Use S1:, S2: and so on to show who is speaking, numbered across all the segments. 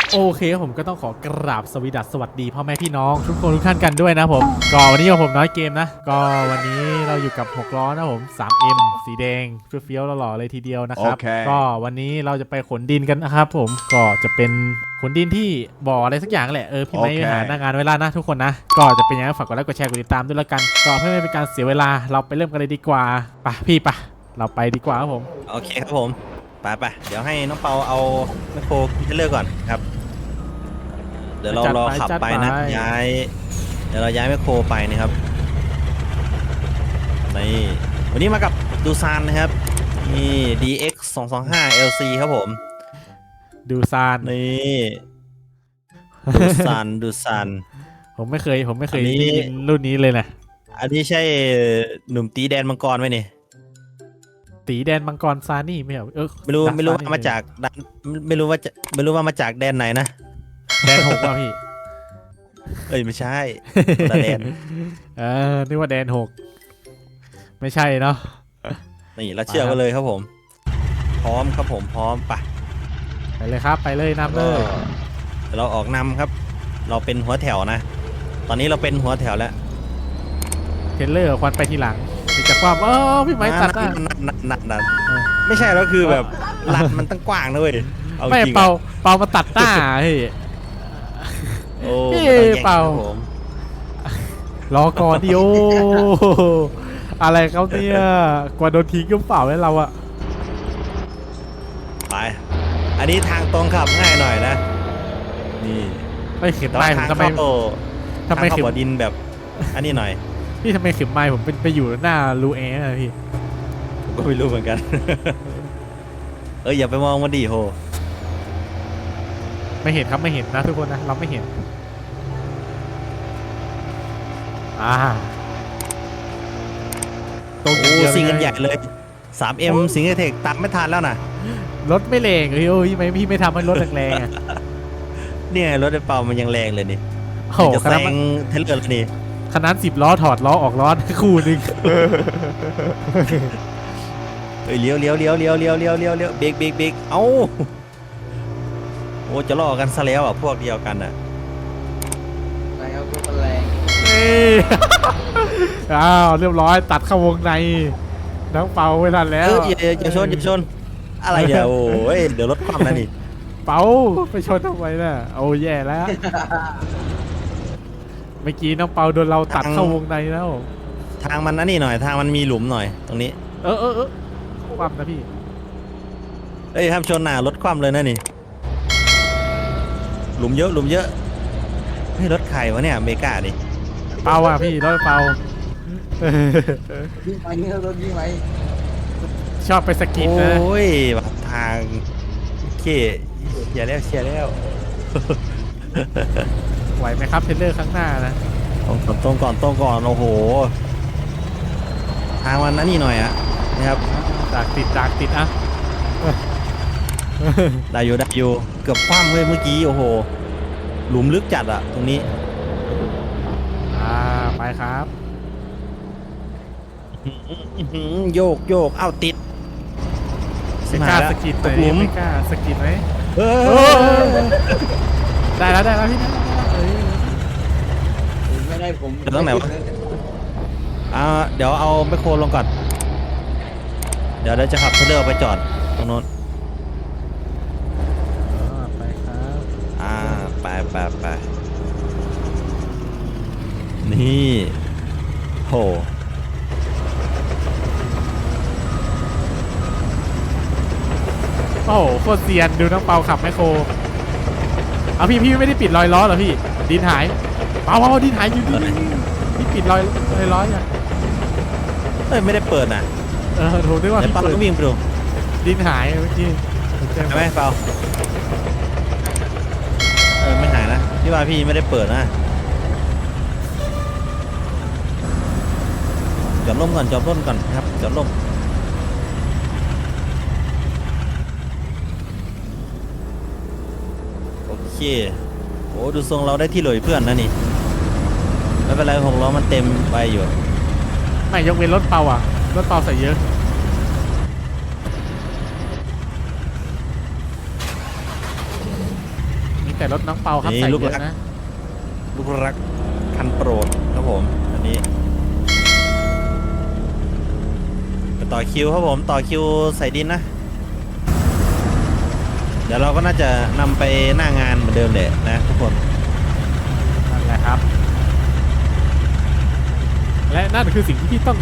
S1: โอเคผมก็ต้องขอกราบสวัสดีพ่อแม่พี่น้องทุกคนทุกท่านกันด้วยนะผมก็วันนี้ผมน้อยเกมนะก็วันนี้เราอยู่กับ6ล้อนะผม 3M สีแดงเฟี้ยวๆหล่อๆเลยทีเดียวนะครับ
S2: Okay.
S1: ก็วันนี้เราจะไปขนดินกันนะครับผมก็จะเป็นขนดินที่บ่ออะไรสักอย่างแหละพี่ไม้ไปหาหน้างานเวลานะทุกคนนะก็จะเป็นยังไงฝากกดไลค์กดแชร์กดติดตามด้วยแล้วกันก็เพื่อไม่เป็นการเสียเวลาเราไปเริ่มกันเลยดีกว่าไปพี่ปะเราไปดีกว่าครับผม
S3: โอเคครับผมไปเดี๋ยวให้น้องเปาเอาแมคโครพิเลอร์ก่อนครับเดี๋ยวเรารอขับไปนะเดี๋ยวเราย้ายแมคโครไปนะครับนี่วันนี้มากับดูซานนะครับนี่ DX 225 LC ครับผม
S1: ดูซาน
S3: นี่ดูซาน
S1: ผมไม่เคย
S3: อันนี้
S1: ได้ยินรุ่นนี้เลยนะ
S3: อันนี้ใช่หนุ่มตีแดนมังกรไหมเนี่ย
S1: ตีแดนมังกรซานี่ไม่เหรอ
S3: ไม่รู้ว่ามาจากไม่รู้ว่ามาจากแดนไหนนะ
S1: แดนหกป่ะพี่
S3: เอ้ยไม่ใช่แต่แดน
S1: นึกว่าแดนหกไม่ใช่เนาะ
S3: นี่เราเชื่อกันเลยครับผมพร้อมครับผมพร้อมไป
S1: ไปเลยครับไปเลยนำเลย
S3: เราออกนำครับ เราเป็นหัวแถวนะ ตอนนี้เราเป็นหัวแถวแล้ว
S1: เทรลเลอร์ควันไปทีหลังมีจากความพี่ไม้ตัดหน้า
S3: นั่นไม่ใช่แล้วคือแบบลัดมันตั้งกว้างนะเว้ยอ
S1: ไม่
S3: จริงอะ
S1: เป่ามาตัดหน้าเฮ้ย
S3: โอ้
S1: พี่
S3: ไม่ต้องแย่ง
S1: เป่า
S3: ครับผม
S1: รอก่อนดิโออะไรเขาเนี่ยกว่าโดนทิ้งก็เปล่าแล้วเราอะ
S3: ไปอันนี้ทางตรงขับง่ายหน่อยนะนี่
S1: ไม่เข็ม
S3: แต่
S1: ไม้
S3: ว่า
S1: ผม
S3: ทาง
S1: ทำไม
S3: เข้า
S1: เข็ม
S3: บ่อดินแบบอันนี้หน่อย
S1: พี่ทำไมเข็มไม้ผมเป็นไปอยู่หน้ารูแอร์อะพี่
S3: ผมก็ไม่รู้เหมือนกัน อย่าไปมองมันดิโห
S1: ไม่เห็นครับไม่เห็นนะทุกคนนะเราไม่เห็นตรง
S3: โอ้
S1: เดียว
S3: ซิงกันใหญ่เลย 3M สิงห์เทคตามไม่ทันแล้วนะ
S1: รถไม่แรงเลยโอ้ยไม่พี่ไม่ทำให้รถแรงๆอะ
S3: เนี่ยรถไอ้เปามันยังแรงเลยนี่
S1: โอ้โห
S3: จะ
S1: ข
S3: แซ
S1: นาด
S3: งเทเลอร์แล้วนี่
S1: ขนาด10 ล้อถอดล้อออกล้อคู่หนึง
S3: เลี้ยวเบรกเอ้าโอ้จะล่อกันซะแล้วอ่ะพวกเดียวกันอ่ะ
S4: ไปเอาตัวแรง
S1: นี่ เรียบร้อยตัดเข้าวงในน้องเปาเวลาแล้ว
S3: อย่าชนอะไรเนี่ยโอ้ยเดี๋ยวรถคว่ำนะนี่
S1: เปาไปชนทำไมน่ะโอ้แย่แล้ว เมื่อกี้น้องเปาโดนเราตัดเข้าวงในแล้ว
S3: ทางมันนั่นนี่หน่อยทางมันมีหลุมหน่อยตรงนี้
S1: ความนะพี่
S3: ห้ามชนหน้ารถคว่ำเลยนะนี่หลุมเยอะเฮ้ยรถใครวะเนี่ยอเมริกาดิ
S1: เปาอ่ะพี่รถเปา
S4: วิ่งไปนี่รถวิ่งไป
S1: ชอบไปสกิดนะ
S3: โอ้ยแบบทางโอเคเชียร์แล้ว
S1: ไหวไหมครับเทรลเลอร์ข้างหน้านะ
S3: ตรงก่อนโอ้โหทางมันนั่นนี่หน่อยอะนะครับ
S1: จากติดอ่ะ
S3: ได้อยู่เกือบคว่ำเลยเมื่อกี้โอ้โหหลุมลึกจัดอะตรงนี้
S1: ไปครับ
S3: โยกเอ้าติด
S1: ไม่กล้าสกิด
S3: ตกหลุม
S1: ไม่กล้าสกิดไหม
S3: เออ
S1: ได้แล้วพี่นะเอ้ย
S4: ไม่ได้ผม
S3: เดี๋ยวต้องไหนวะ เดี๋ยวเอาแมคโครลงก่อนเดี๋ยวจะขับเทเลอร์ไปจอดตรงโน้น
S1: ไปครับ
S3: ไปนี่โห
S1: โอ้โหโคตรเซียนดูน้องเปาขับแมคโครเอาพี่ไม่ได้ปิดรอยล้อเหรอพี่ดินหายเปาดินหายอยู่พี่ปิดรอยล้อยัง
S3: ไม่ได้เปิดนะ
S1: โทรด้วยว่า
S3: เดี๋ยว
S1: พี่
S3: เปา
S1: เปิด
S3: ก็วิ่งไปดู
S1: ดินหายเมื่อกี้
S3: ใช่ไหมเปาไม่หายนะพี่ว่าพี่ไม่ได้เปิดนะจอดร่มก่อนครับจอดร่มโอเคโอ้ดูทรงเราได้ที่หลอยเพื่อนนะนี่ไม่เป็นไร6 ล้อมันเต็มไปอยู่
S1: ไม่ยกเว้นรถเปาอ่ะรถเปาใส่เยอะ มแต่รถน้องเปาครับ
S3: นี่
S1: ใส่
S3: ลูก
S1: เย
S3: รั
S1: อะ
S3: ก
S1: นะ
S3: ลูกรักคันโปรดครับผมอันนี้ไปต่อคิวครับผมต่อคิวใส่ดินนะเดี๋ยวเราก็น่าจะนำไปหน้างานเหมือนเดิมเลยนะทุกคน
S1: นั่นแหละครับ และนั่นคือสิ่งที่พี่ต้องท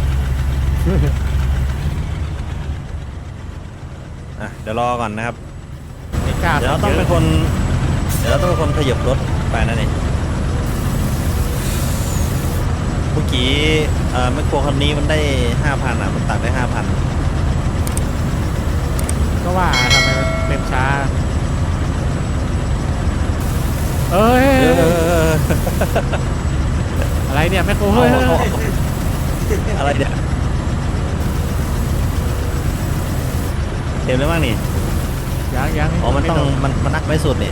S3: เดี๋ยวรอก่อนนะครับ
S1: ำไม่กล้า
S3: เดี๋ยวเราต้องเป็นคน เดี๋ยวเราต้องเป็นคนขยับรถไปนั่นเองเมื่อกี้แมคโครคันนี้มันได้ 5,000มันตัดได้ 5,000
S1: ก็ว่าทำไมมันเต็มช้า เอ้ย อะไรเนี่ยแม่โคเฮ้ย
S3: อะไรเนี่ยเต็มแล้วมั้งนี่
S1: ยัง
S3: อ๋อมันต้องมันนักไม่สุดนี่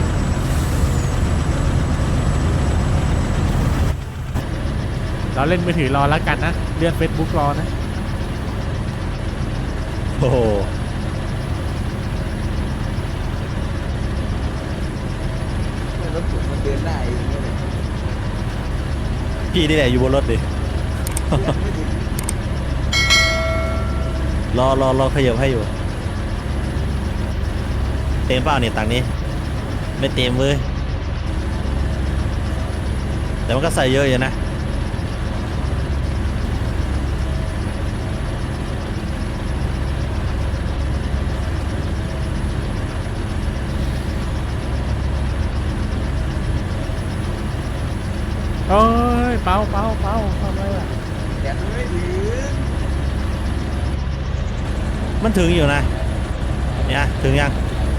S1: เราเล่นมือถือรอแล้วกันนะเลื่อน Facebook รอนะ
S3: โอ้โห
S4: รถผมมันเดินได้เองเนี่ย
S3: พี่นี่แหละอยู่บนรถดิ
S4: ไม่ถึง
S3: รอขยับให้อยู่ เต็มเปล่าเนี่ยตังค์นี้ ไม่เต็มเว้ยแต่มันก็ใส่เยอะอยู่นะ
S1: เอ้ยเปาทำอะไรอ่ะ
S4: แกมันไม่ถึง
S3: มันถึงอยู่นะเนี่ยถึงยัง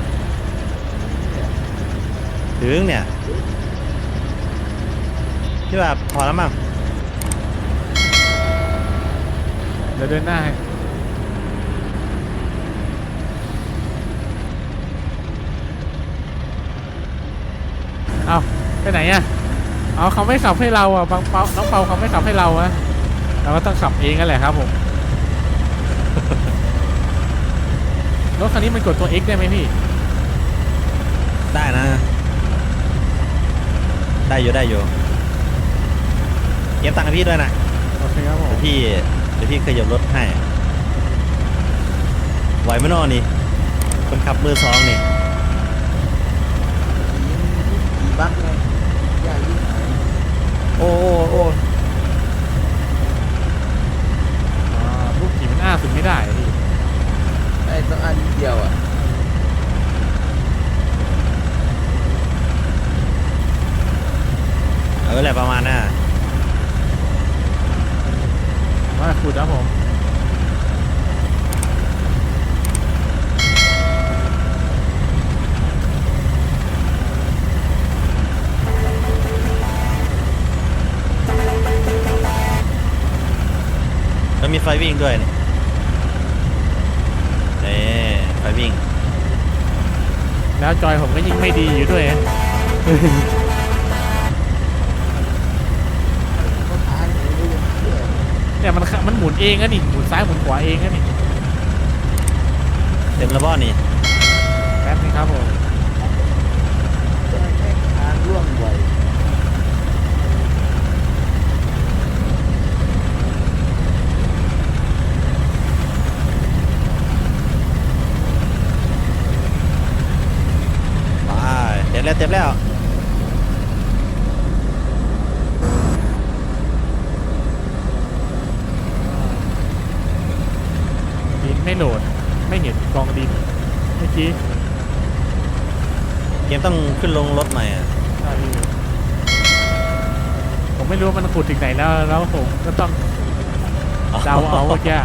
S3: ถึงเนี่ยที่แบบพอแล้วมั้ง
S1: เดี๋ยวเดินหน้าให้เอาไปไหนอ่ะเอาเขาไม่ขับให้เราอ่ะบางเปาน้องเปาเขาไม่ขับให้เราอะเราก็ต้องขับเองกันแหละครับผม รถคันนี้มันกดตัว X ได้ไหมพี่
S3: ได้นะ ได้อยู่เก็บตังค์ให้พี่ด้วยนะ
S1: โอเคครับผม
S3: เดี๋ยวพี่ขยับรถให้ไหวไหมน้อนี่คนขับมือสองนี่
S4: ขี่บักไงยากยิ่งหาย
S3: โอ้
S1: ลูกขี่มันอ้าสุดไม่ได้อะพี่
S4: ไอ้ต้องอันเดียวอ่ะ
S3: อะไรประมาณน่ะ
S1: ว่าขุดนะผม
S3: แล้วมีไฟวิ่งด้วยนี่ไฟวิ่ง
S1: แล้วจอยผมก็ยิ่งไม่ดีอยู่ด้วย
S4: ก็ทานอย่างนี้ยังเชื่อ
S1: เนี่ยมันหมุนเองอะนี่หมุนซ้ายหมุนขวาเองอะนี่
S3: เต็มระบ้อนี่
S1: แป๊บนึงครับผม
S4: จะแค่ทางร่วงไหว
S3: ไปเต็มแล้ว
S1: ดินไม่โหลดไม่เห็นกองดินเมื่อกี้
S3: เกมต้องขึ้นลงรถใหม่อ่ะ
S1: ใช่พี่ผมไม่รู้ว่ามันขุดถึงไหนแล้วผมก็ต้องเดาเอาเมื่อกี้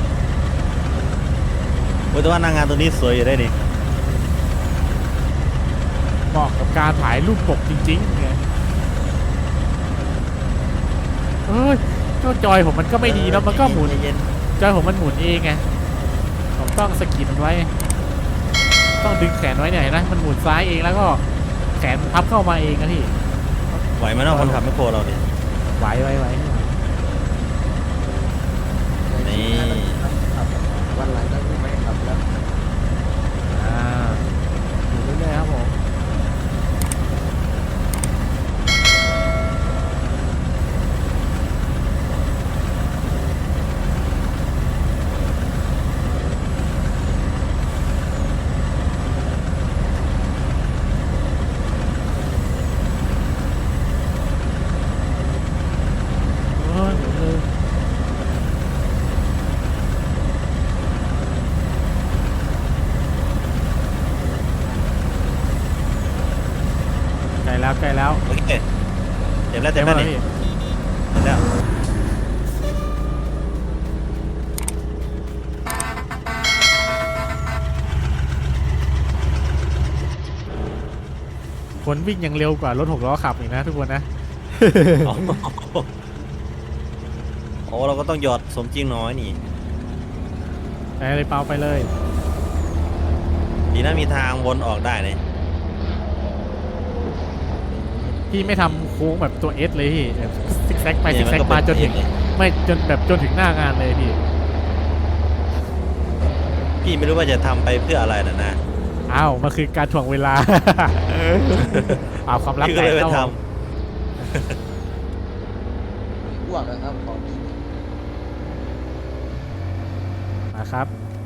S3: โอ้ยแต่ว่าหนางานตัวนี้สวยอยู่ได้นี่
S1: เหมาะกับการถ่ายรูปปกจริงๆไงเอ้ยเจ้าจอยผมมันก็ไม่ดีแล้วมันก็หมุน
S3: เย็น
S1: จอยผมมันหมุนเองไงผมต้องสะกิดมันไว้ ต้องดึงแขนไว้เนี่ยเห็นไหมมันหมุนซ้ายเองแล้วก็แขนพับเข้ามาเองนะพี่
S3: ไหวไหมเนาะคนขับไม่โครเราดิ
S1: ไหว
S3: นี่
S4: ครับวันหลังก็ไม่ขับแล้ว
S1: อ่าอยู่เรื่อยๆครับผมใกล้แล้ว
S3: โอเคเต็มแล้วเต็มแล้วนี่
S1: พี่
S3: เต็มแล้ว
S1: คนวิ่งยังเร็วกว่ารถ6 ล้อขับอีกนะทุกคนนะ
S3: โอ้โหโอ้เราก็ต้องหยอดสมจริงน้อยนี่
S1: ไปเลยเปาไปเลย
S3: ดีนะมีทางวนออกได้เลย
S1: พี่ไม่ทำโค้งแบบตัวเอสเลยพี่แบบซิกแซกไปซิกแซก
S3: เนี่ย
S1: มาจนถึง
S3: เป็เลย
S1: ไม่จนแบบจนถึงหน้างานเลยพี่
S3: พี่ไม่รู้ว่าจะทำไปเพื่ออะไรนะ
S1: อ้าวมันคือการถ่วงเวลา เอาความลับ
S3: พี่
S1: แต
S3: ก็เลย
S1: ก
S3: ไป
S1: เข้า
S3: ท
S4: อ้วกนะครับของจริง
S1: นะครับ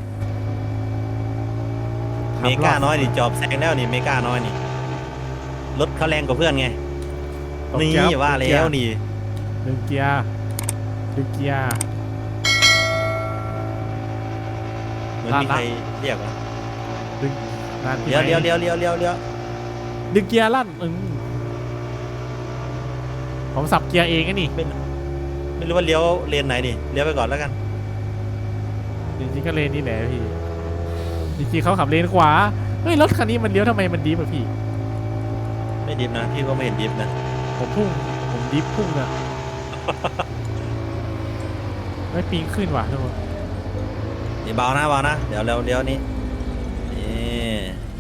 S3: ำเมกาน้อยนี่จอบแซงแล้วนี่เมกาน้อยนี่รถเขาแรงกว่าเพื่อนไง
S1: ตก
S3: นี่
S1: เกียร์
S3: ว่าแล้วนี่
S1: ดึงเกียร์ดึงเกียร์
S3: เหมือนมีใครเรียกว่า
S1: ดึงนานพี่
S3: เลี้ยว
S1: ไหม
S3: เลี้ยวเลี้ยวเลี้ยวเลี้ยวเลี้ยว
S1: ดึงเกียร์ลั่นผมสับเกียร์เองไงนี่
S3: ไม่รู้ว่าเลี้ยวเลนไหนดิเลี้ยวไปก่อนแล้วกัน
S1: จริงๆก็เลนนี่แหละพี่จริงๆเขาขับเลนขวาเฮ้ยรถคันนี้มันเลี้ยวทำไมมันดิฟอะพี่
S3: ไม่ดิฟนะพี่ก็ไม่เห็นดิฟนะ
S1: ผมดิฟพุ่งอะ ไม่ปิงขึ้นว่ะทุกคน
S3: นี่เบานะเบานะเดี๋ยวเลี้ยวนี่นี่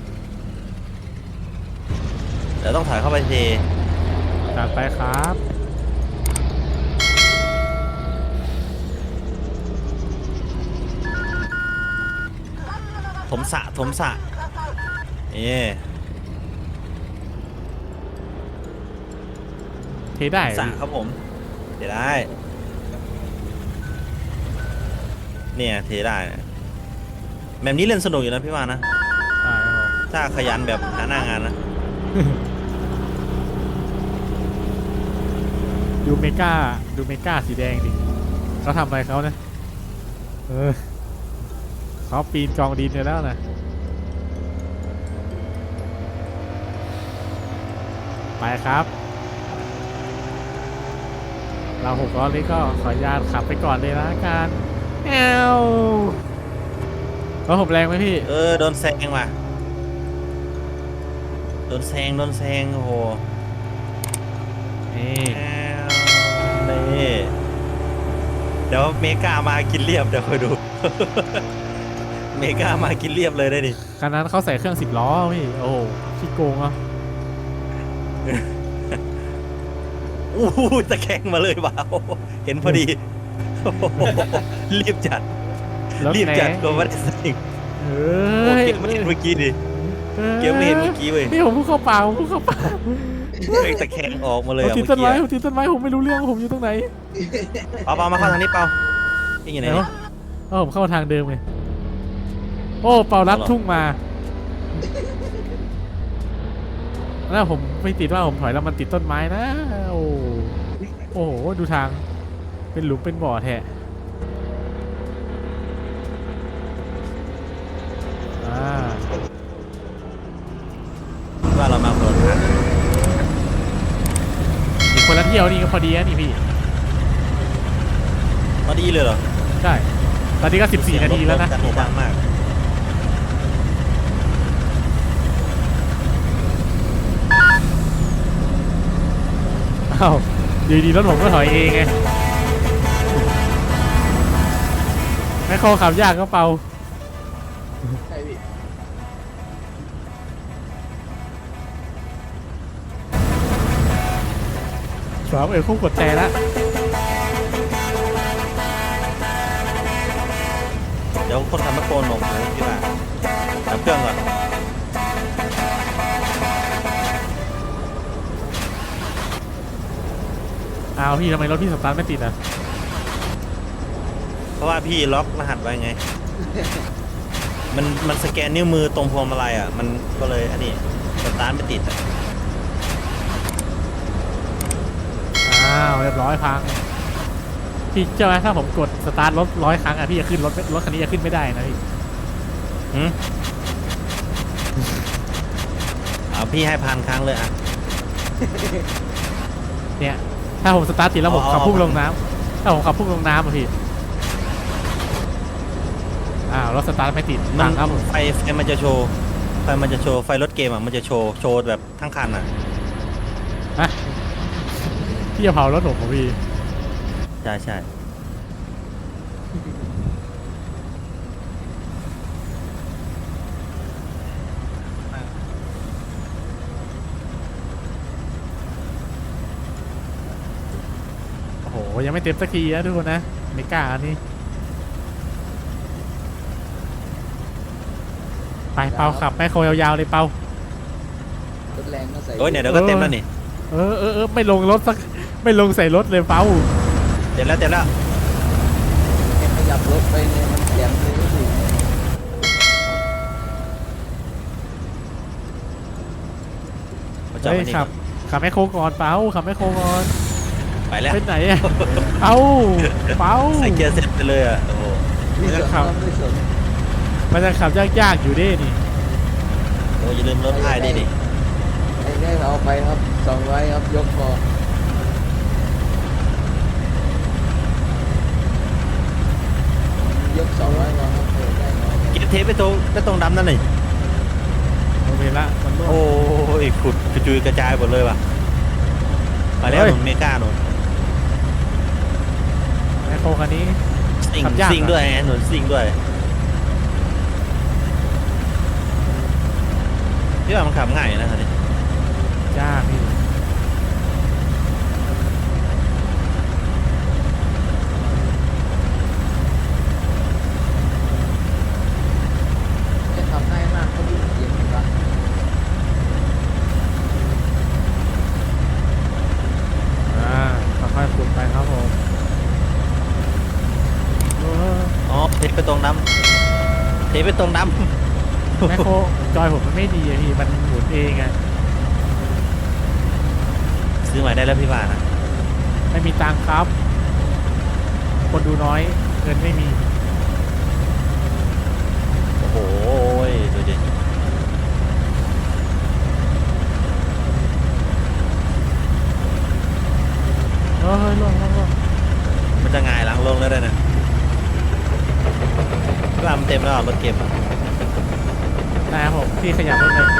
S3: เดี๋ยวต้องถอยเข้าไปที
S1: จัดไปครับ
S3: ถมสะนี่
S1: เทได้
S3: สะครับผมเทได้เนี่ยเทได้นะแบบนี้เล่นสนุกอยู่นะพี่ว่านะ
S1: ได้ครับผม
S3: ถ้าขยันแบบหาหน้างานนะ
S1: ดูเมกาสีแดงดิเขาทำอะไรเขาเนี่ยเขาปีนกองดินไปแล้วนะไปครับเรา6 ล้อนี้ก็ขออนุญาตขับไปก่อนเลยนะการแอวรถผมแรงไหมพี่
S3: โดนแซงว่ะโดนแซงโอ้โห
S1: นี่
S3: นี่เดี๋ยวเมกามากินเรียบเดี๋ยวคอยดู เมกามากินเรียบเลยได้ดิ
S1: คันนั้นเขาใส่เครื่อง10 ล้อพี่โอ้โหขี้โกงอ่ะ
S3: อู้หูตะแคงมาเลยว่ะโอ้โหเห็นพอดี โอ้โหรีบจัด
S1: รถ
S3: รีบ
S1: แหน
S3: จัดก็ไม่ได้สิง
S1: เอ
S3: โอ้
S1: ้ย
S3: เกมไม่เห็นเมื่อกี้ดิเกมไม่เห็นเมื่อกี้เว้ย
S1: พี่ผมพูดเข้าเปล่าผมพูดเข้าเปล่า
S3: เฮ้ยตะแคงออกมาเลย
S1: ผม
S3: อะ
S1: ติด
S3: เมื่อ
S1: ต้นไม้
S3: กี้
S1: ผมติดต้นไม้ผมไม่รู้เรื่องว่าผมอยู่ตรงไหน
S3: เปามาเข้าทางนี้เปาพี่อยู่ไหน
S1: เดี๋ยว
S3: เนี่ย
S1: ผมเข้าทางเดิมไงโอ้เปาลัดทุ่งมาแล้วผมไม่ติดว่าผมถอยแล้วมันติดต้นไม้นะโอ้โอ้โหดูทางเป็นหลุมเป็นบ่อแท้
S3: ว่าเรามาคนละทาง
S1: อีกคนละเที่ยวนี่ก็พอดีนะนี่พี่
S3: พอดีเลยเหรอ
S1: ใช่ตอนนี้ก็14 นาทีแล้วนะ
S3: กันดังมาก
S1: อ้าวอยู่ดีรถผมก็ถอยเองไงแม่โคขับยากก็เปา
S4: ใช่พี่
S1: 3 คู่กดแต่ละ
S3: เดี๋ยวคนทำมะโกนหนมเลยพี่ว่าดับเครื่องก่อน
S1: อ้าวพี่ทำไมรถพี่สตาร์ทไม่ติดอ่ะ
S3: เพราะว่าพี่ล็อกรหัสไว้ไง มันสแกนนิ้วมือตรงพวงมาลัยอ่ะมันก็เลยอันนี้สตาร์ทไม่ติดอ่ะ
S1: อ้าวเรียบร้อยพังพี่เจ้าไหมถ้าผมกดสตาร์ทรถ100 ครั้งอ่ะพี่จะขึ้นรถคันนี้จะขึ้นไม่ได้นะพี่
S3: หืมเอาพี่ให้1,000 ครั้งเลยอ่ะ
S1: เนี่ยถ้าผมสตาร์ทติดแล้วผมขับพุ่งลงน้ำถ้าผมขับพุ่งลงน้ำอะพี่รถสตาร์ทไม่ติด
S3: มัน
S1: ครับ
S3: ไฟมันจะโชว์ไฟมันจะโชว์ไฟรถเกมอ่ะมันจะโชว์แบบทั้งคันอ่ะ
S1: ฮะพี่จะเผารถผมเหรอพี่
S3: ใช่
S1: โอ้โหยังไม่เต็มสักทีนะทุกคนนะไม่กล้าอันนี้ไปเปาขับแม่โคยาวๆเลยเปาร
S4: ถแรงก็ใส่
S3: โอ้ยเนี่ยเดี๋ยวก็เต็มแล้วนี่
S1: ไม่ลงรถสักไม่ลงใส่รถเลยเปา
S3: เต็มแล้ว
S4: แค่ขยับรถไปเนี่ยมันเสียงเลยก็ถึง
S3: มาจอด
S1: เฮ้ย
S3: มานี่
S1: ขับแม่โคก่อนเปาขับแม่โคก่อน
S3: ไปแล้ว
S1: ไปไหนอะเปา
S3: ใส่เกียร์เซ็ตไปเลยอ่ะโอ้โห
S4: ไม่สนครับไม่สน
S1: มันจะขับยากๆอยู่ดินี่
S3: โอ้อย่าลืมรถท้ายดิ
S4: ไอ้นี่เอาไปครับ200ครับยกคอยก200ก่อนครับเปิดได้น้อย
S3: เกียร์เทปไปตรงดำนั่นเลย
S1: โอเคละมันร่วง
S3: โอ้ยขุดกระจุยกระจายหมดเลยว่ะไปแล้ว
S1: เฮ้ย
S3: หนุนเมกาหนุน
S1: แม่โคคันนี้
S3: ซิง
S1: ขับยาก
S3: ซิงด้วยไงหนุนซิงด้วยพี่ว่ามันขับง่ายนะคันนี้
S1: ยากพี่
S4: จะทำง่ายมากเขาดูเสียงอยู่ปะ
S1: ค่อยๆขุดไปครับผมเออ
S3: อ๋อเทปไปตรงดำเทปไปตรงดำ
S1: แม่โคจอยผมมันไม่ดีอะพี่มันหมุนเองอะ
S3: ซื้อใหม่ได้แล้วพี่ว่านะ
S1: ไม่มีตังค์ครับ คนดูน้อยเงินไม่มี
S3: โอ้โหดูดิ
S1: เฮ้ยลง
S3: มันจะง่ายหลังลงแล้วได้นะพี่ว่ามันเต็มแล้วรถเก็บอะ
S1: นะครับผมพี่ขยับรถเลย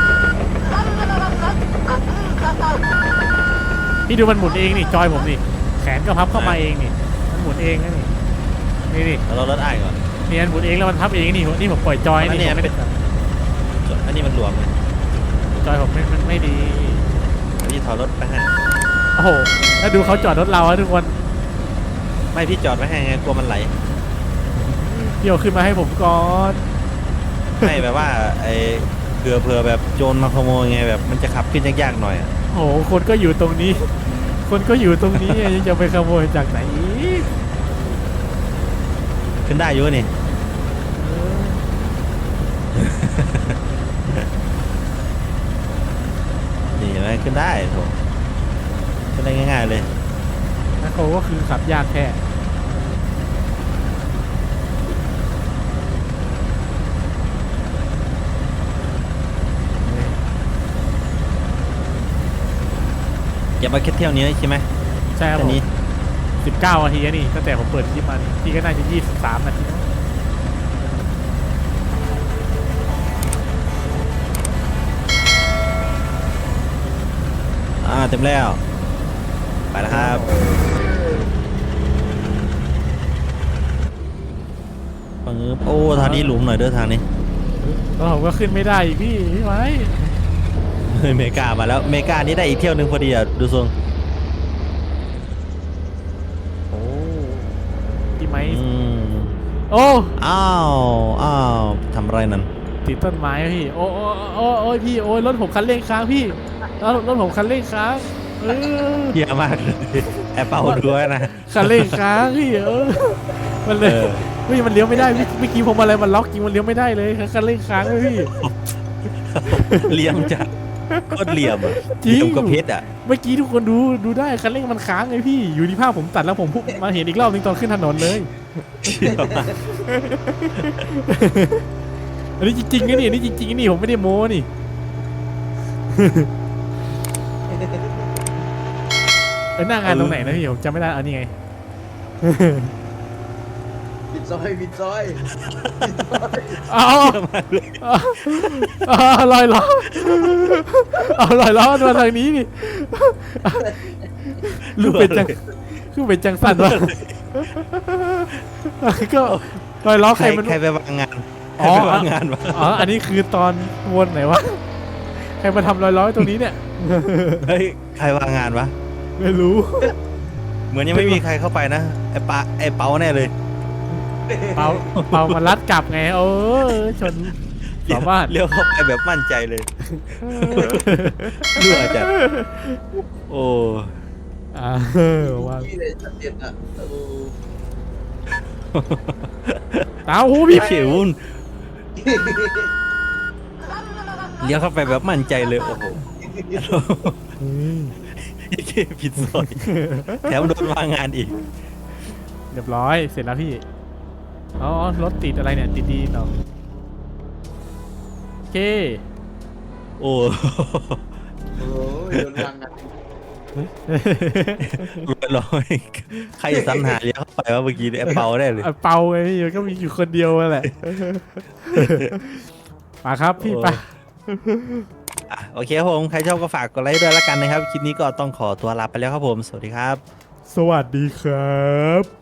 S1: พี่ดูมันหมุนเองนี่จอยผมนี่แขนก็พับเข้ามาเองนี่มันหมุนเองนะนี่นี่
S3: เรารถอ้ายก่อน
S1: นี่มันหมุนเองแล้วมันพับเองนี่ผมปล่อยจอย
S3: อันนี้
S1: นี่ผม
S3: ไม่ได้ อันนี้มันหลวมเลย
S1: จอยผมมันไม่ดี
S3: พี่ถอดรถไปให้
S1: โอ้โหแล้วดูเขาจอดรถเราอะทุกคน
S3: ไม่พี่จอดไว้ให้ไงกลัวมันไหล
S1: พี่เอาขึ้นมาให้ผมก่อน
S3: ไม่แบบว่าไอ้เผื่อแบบโจรมาขโมยไงแบบมันจะขับขึ้นยากๆหน่อยอะ
S1: โอ้โหคนก็อยู่ตรงนี้ คนก็อยู่ตรงนี้ยังจะไปขโมยจากไหนอีก
S3: ขึ้นได้อยู่นี่ นี่เห็นไหมขึ้นได้โถขึ้นได้ง่ายๆเลย
S1: นะเขาก็คือขับยากแค่นี่
S3: อย่ามาแค่เที่ยวนี้ใช่ไหม
S1: ใช่ครับ
S3: แค่
S1: ผม
S3: นี้
S1: 19 นาทีแล้วนี่ตั้งแต่ผมเปิดคลิปมานี่พี่ก็น่าจะ23 นาทีนะ
S3: เต็มแล้วไปแล้วครับปังึบโอ้ทางนี้หลุมหน่อยเด้อทางนี้
S1: แล้วผมก็ขึ้นไม่ได้อีกพี่ไม้
S3: เฮ้ยเมกามาแล้วเมกานี้ได้อีกเที่ยวหนึงพอดีอ่ะดูทรง
S1: โอ้พี่ไม้
S3: อืม
S1: โอ้
S3: อ้าวทำอะไรนั่น
S1: ติดต้นไม้พี่โอ้ยพี่โอ้ยรถผมคันเร่งค้างพี่รถผมคันเร่งค้างเออ
S3: เฮียมากเลยแอปเปิลด้วยนะ
S1: คันเร่งค้างพี่มันเลย
S3: เออ
S1: เฮ้ยมันเลี้ยวไม่ได้เมื่อกี้ผมอะไรมันล็อกจริงมันเลี้ยวไม่ได้เลยคันเร่งค้างเลยพี่
S3: เหลี่ยมจัดโคตรเหลี่ยมอ่ะ
S1: จริง
S3: เหลี่ยมกับเพชรอ่ะ
S1: เมื่อกี้ทุกคนดูได้คันเร่งมันค้างไงพี่อยู่ที่ภาพผมตัดแล้วผมพุ่งมาเห็นอีกรอบนึงตอนขึ้นถนนเลย
S3: เชี่ยวมาก
S1: อันนี้จริงๆนะนี่อันนี้จริงๆนี่ผมไม่ได้โม้นี่หน้างานตรงไหนนะพี่ผมจำไม่ได้อันนี้ไง
S4: บิดซอยบิดซอย
S1: เอาลอยล้อเอาลอยล้อมาทางนี้นี่ลูกเป็นจังคือเป็นจังสันวะก็ลอยล้อใครมัน
S3: ใครไปวางงาน
S1: อ๋อ
S3: ใครไปวางงานวะ
S1: อ๋ออันนี้คือตอนวนไหนวะใครมาทำลอยล้อตรงนี้เนี่ย
S3: เฮ้ยใครวางงานวะ
S1: ไม่รู้
S3: เหมือนยังไม่มีใครเข้าไปนะไอ้เปาแน่เลย
S1: เปามาลัดกลับไงชนสามารถ
S3: เลี้ยวเข้าไปแบบมั่นใจเลยรั่วจัดโอ้
S1: ว่า
S4: พี่เลยชัดเจนอ่ะ
S1: ตาหูพี่
S3: เขียววุ่นเลี้ยวเข้าไปแบบมั่นใจเลยโอ้โหผิดซอยแถมโดนวางงานอีก
S1: เรียบร้อยเสร็จแล้วพี่อ๋อรถติดอะไรเนี่ยติดดีเนาะโอเค
S3: โอ้
S4: โอ้ยโดนวางงาน
S3: ร้อยใครสรรหาเลี้ยวเข้าไปว่าเมื่อกี้เนี่ยไอ้เปาได้เลย
S1: เปาไงพี่ก็มีอยู่คนเดียวแหละมาครับพี่ไป
S3: โอเคครับผมใครชอบก็ฝากกดไลค์ด้วยละกันนะครับคลิปนี้ก็ต้องขอตัวลาไปแล้วครับผมสวัสดีครับ
S1: สวัสดีครับ